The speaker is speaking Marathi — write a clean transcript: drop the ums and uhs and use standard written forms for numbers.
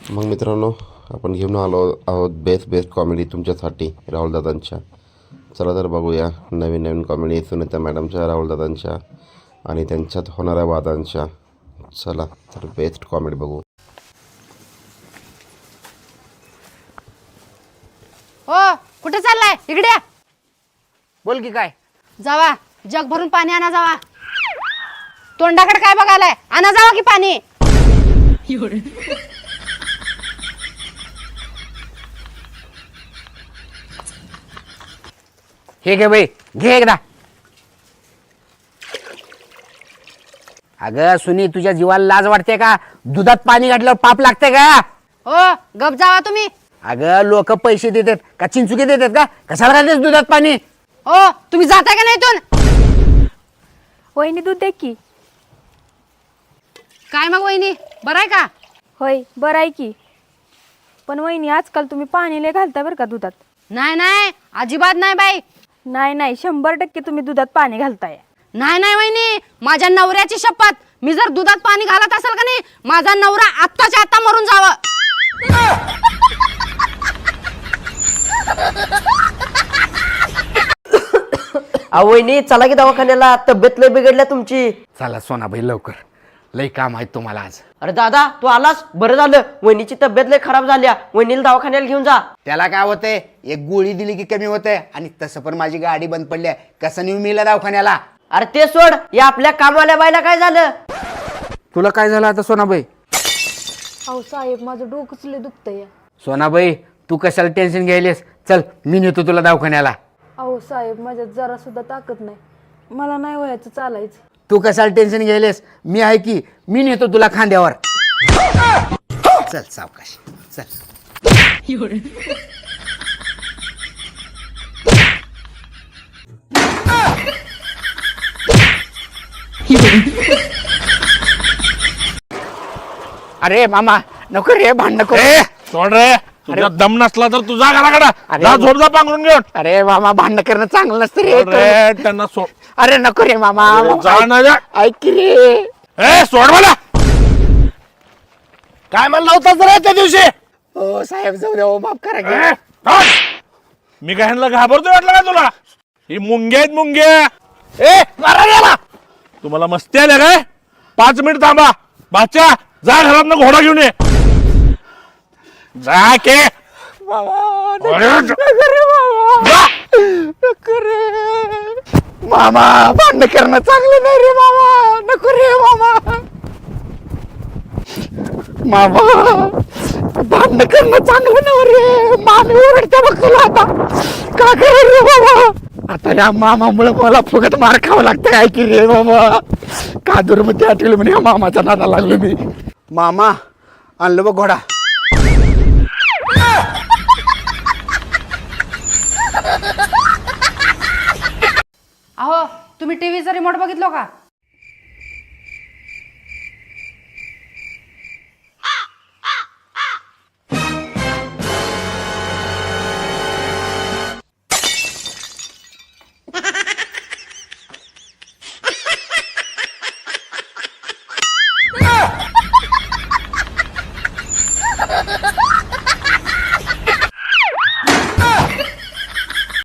मग मित्रांनो, आपण घेऊन आलो आहोत बेस्ट कॉमेडी तुमच्यासाठी राहुलदादांच्या. चला तर बघूया नवीन नवीन कॉमेडी सुनीता मॅडमच्या, राहुलदादांच्या आणि त्यांच्यात होणाऱ्या वादांच्या. चला तर बेस्ट कॉमेडी बघू. हो, कुठे चाललाय? इकडे या. बोल की काय? जावा, जग भरून पाणी आणा. जावा, तोंडाकडे काय बघायलाय? आणा जावा की पाणी. हे घे बाई, घे एकदा. अगं सुनी, तुझ्या जीवाला लाज वाटते का? दुधात पाणी घातल्यावर पाप लागते का? हो, गप जावा तुम्ही. अगं लोक पैसे देतात का चिंचुके देतात का? कशाला घालतेस दुधात पाणी? हो, तुम्ही जाताय का नाही इथून? वहिनी दूध दे की. काय मग वहिनी, बरं आहे का? होय, बरं आहे की. पण वहिनी, आजकाल तुम्ही पाणी लय घालता बरं का दुधात. नाही नाही, अजिबात नाही बाई. नाही 100% तुम्ही दुधात पाणी घालताय. नाही वहिनी, माझ्या नवऱ्याची शपथ, मी जर दुधात पाणी घालत असेल का नाही, माझा नवरा आत्ताच्या आत्ता मरून जावं. वहिनी चला की दवाखान्याला, तब्येत लय बिघडल्या तुमची. चला सोनाबाई लवकर, लय काम आहे तुम्हाला आज. अरे दादा, तू आलास, बरं झालं. वहिनीची तब्येत लय खराब झाल्या, वहिनीला दवाखान्याला घेऊन जा. त्याला काय होतंय, एक गोळी दिली की कमी होतंय. आणि तसं पण माझी गाडी बंद पडली आहे, कसं नेऊ मीला दवाखान्याला? अरे ते सोड, या आपल्या कामवाल्या बाईला काय झालं? तुला काय झालं आता सोनाबाई? अहो साहेब, माझं डोकंच लय दुखतंय. सोनाबाई, तू कशाला टेन्शन घ्यायलेस? चल मी नेतो तुला दवाखान्याला. अहो साहेब, माझ्यात जरा सुद्धा ताकद नाही, मला नाही व्हायचं चालायचं. तू कशाला टेन्शन घ्यायलेस? मी आहे की, मी नेतो तुला खांद्यावर. चल सावकाश चल. अरे मामा नको रे, भांडण करू. सोड रे, तुझ्या दम नसला तर तुझा घराकडा जा, झोप जा पांघरून घेऊन. अरे मामा, भांडण करणं चांगलं नसतं सोड रे. रे, त्यांना सोड. अरे नको रे मामा, जा ना जा. ऐक की रे. ए सोड मला. काय म्हणला होतास रे त्या दिवशी? हो साहेब, जाऊ द्या, माफ करा की. ए, थांब. मी काय ह्यांना घाबरतोय वाटलं का तुला? ही मुंग्या आहेत मुंग्या. ए मारा याला. तुम्हाला मस्ती आल्या काय? 5 मिनिट थांबा. बाच्या जा, घरात घोडा घेऊन ये. जा के. अरे, जा. नको रे मामा, भांडण करणं चांगलं नाही रे मामा. नको रे मामा. मामा, भांडण करणं चांगलं नाही रे. मामी ओरडते बघ तुला आता. का करे रे बाबा? आता या मामामुळे मला फुकट मार खावं लागतं काय की रे बाबा. का दुर्मती आठवली म्हणे मामाच्या नादा लागलो मी. मामा आणलं बघ घोडा. अहो, तुम्ही टीव्हीचा रिमोट बघितलो का?